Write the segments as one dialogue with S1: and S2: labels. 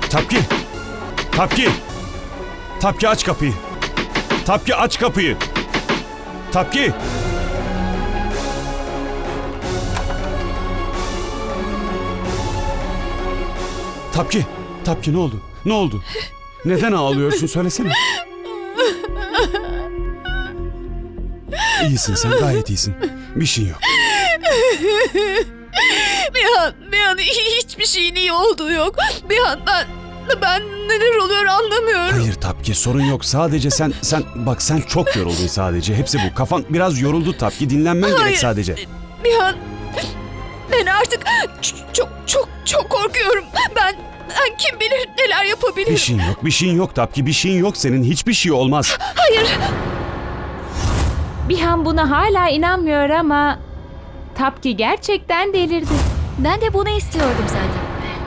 S1: Tapki! Tapki! Tapki aç kapıyı! Tapki aç kapıyı! Tapki! Tapki! Tapki ne oldu? Ne oldu? Neden ağlıyorsun söylesene. İyisin sen, gayet iyisin. Bir şey yok.
S2: Bir an hiçbir şeyin iyi olduğu yok. Bir an ben neler oluyor anlamıyorum.
S1: Hayır Tapki, sorun yok. Sadece sen bak sen çok yoruldun sadece. Hepsi bu. Kafan biraz yoruldu Tapki. Dinlenmen gerek sadece.
S2: Bir an ben artık çok korkuyorum. Ben kim bilir neler yapabilirim.
S1: Bir şeyin yok Tapki. Bir şeyin yok senin. Hiçbir şey olmaz.
S2: Hayır.
S3: Bihan buna hala inanmıyor ama Tapki gerçekten delirdi.
S4: Ben de bunu istiyordum zaten.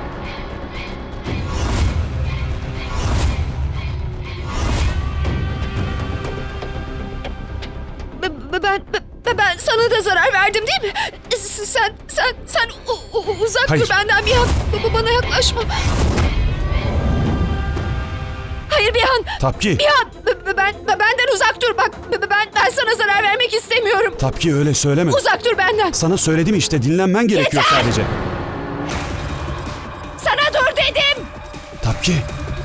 S2: Ben sana da zarar verdim değil mi? Sen uzak
S1: Hayır.
S2: dur benden bir an. Bana yaklaşma. Hayır bir an.
S1: Tapki!
S2: Bir an. Benden uzak dur bak. Ben sana zarar vermek istemiyorum.
S1: Tapki öyle söyleme.
S2: Uzak dur benden.
S1: Sana söyledim işte, dinlenmen gerekiyor sadece.
S2: Sana dur dedim.
S1: Tapki!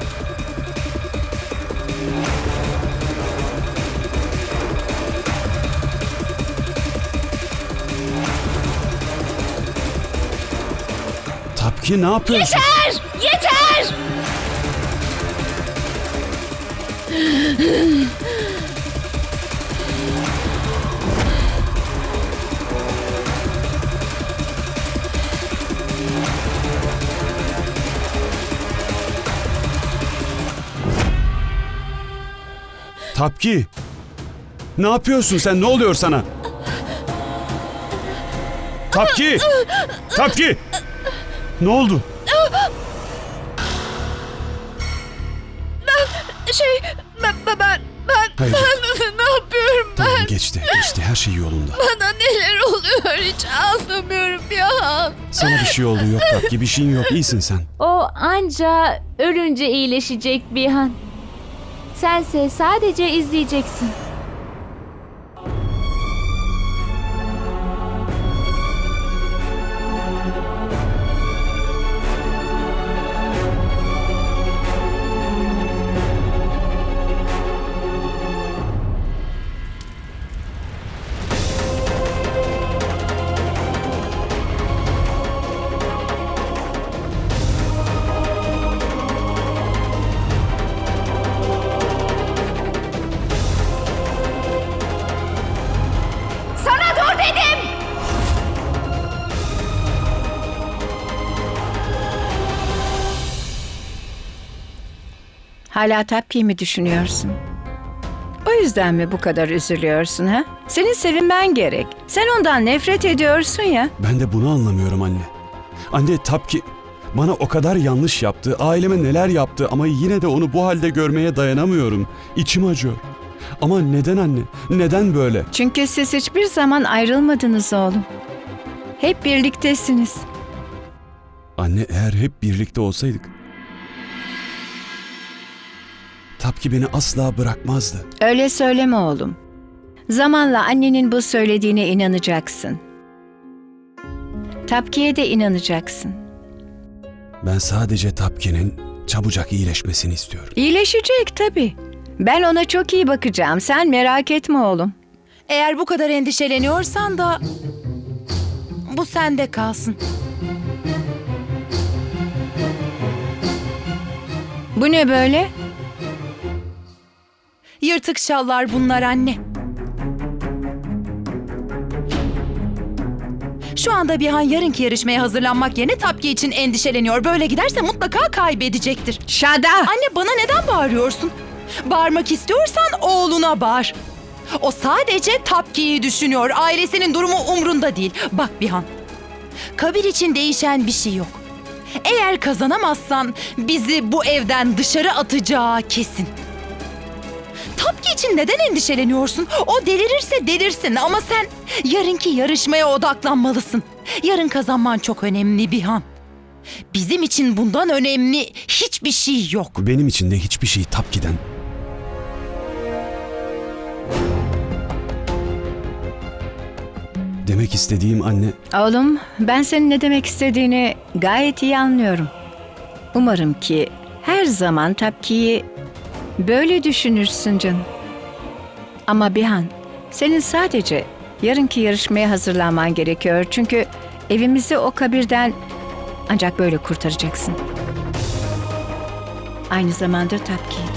S1: Tapki ne yapıyorsun?
S2: Yeter.
S1: Tapki! Ne yapıyorsun sen? Ne oluyor sana? Tapki! Tapki! Ne oldu?
S2: Ben
S1: Hayır.
S2: ne yapıyorum ben?
S1: Tamam, geçti. Her şey yolunda.
S2: Bana neler oluyor hiç anlamıyorum ya.
S1: Sana bir şey oldu yok Tapki. Bir şeyin yok. İyisin sen.
S3: O anca ölünce iyileşecek Bihan. Sense sadece izleyeceksin.
S2: Sana dur dedim.
S5: Hala Tapki'yi mi düşünüyorsun? O yüzden mi bu kadar üzülüyorsun ha? Senin sevinmen gerek. Sen ondan nefret ediyorsun ya.
S1: Ben de bunu anlamıyorum anne. Anne Tapki bana o kadar yanlış yaptı. Aileme neler yaptı ama yine de onu bu halde görmeye dayanamıyorum. İçim acıyor. Ama neden anne? Neden böyle?
S5: Çünkü siz hiçbir zaman ayrılmadınız oğlum. Hep birliktesiniz.
S1: Anne eğer hep birlikte olsaydık Tapki beni asla bırakmazdı.
S5: Öyle söyleme oğlum. Zamanla annenin bu söylediğine inanacaksın. Tapki'ye de inanacaksın.
S1: Ben sadece Tapki'nin çabucak iyileşmesini istiyorum.
S5: İyileşecek tabii. Ben ona çok iyi bakacağım. Sen merak etme oğlum.
S6: Eğer bu kadar endişeleniyorsan da bu sende kalsın.
S5: Bu ne böyle?
S6: Yırtık şallar bunlar anne. Şu anda Bihan yarınki yarışmaya hazırlanmak yerine Tapki için endişeleniyor. Böyle giderse mutlaka kaybedecektir.
S5: Şada!
S6: Anne bana neden bağırıyorsun? Bağırmak istiyorsan oğluna bağır. O sadece Tapki'yi düşünüyor. Ailesinin durumu umrunda değil. Bak Bihan, Kabir için değişen bir şey yok. Eğer kazanamazsan bizi bu evden dışarı atacağı kesin. Tapki için neden endişeleniyorsun? O delirirse delirsin ama sen yarınki yarışmaya odaklanmalısın. Yarın kazanman çok önemli Bihan. Bizim için bundan önemli hiçbir şey yok.
S1: Benim için de hiçbir şey Tapki'den. Demek istediğim anne,
S5: Oğlum, ben senin ne demek istediğini gayet iyi anlıyorum. Umarım ki her zaman Tapki'yi böyle düşünürsün canım. Ama Bihan, senin sadece yarınki yarışmaya hazırlanman gerekiyor. Çünkü evimizi o kabirden ancak böyle kurtaracaksın. Aynı zamanda Tapki'yi de.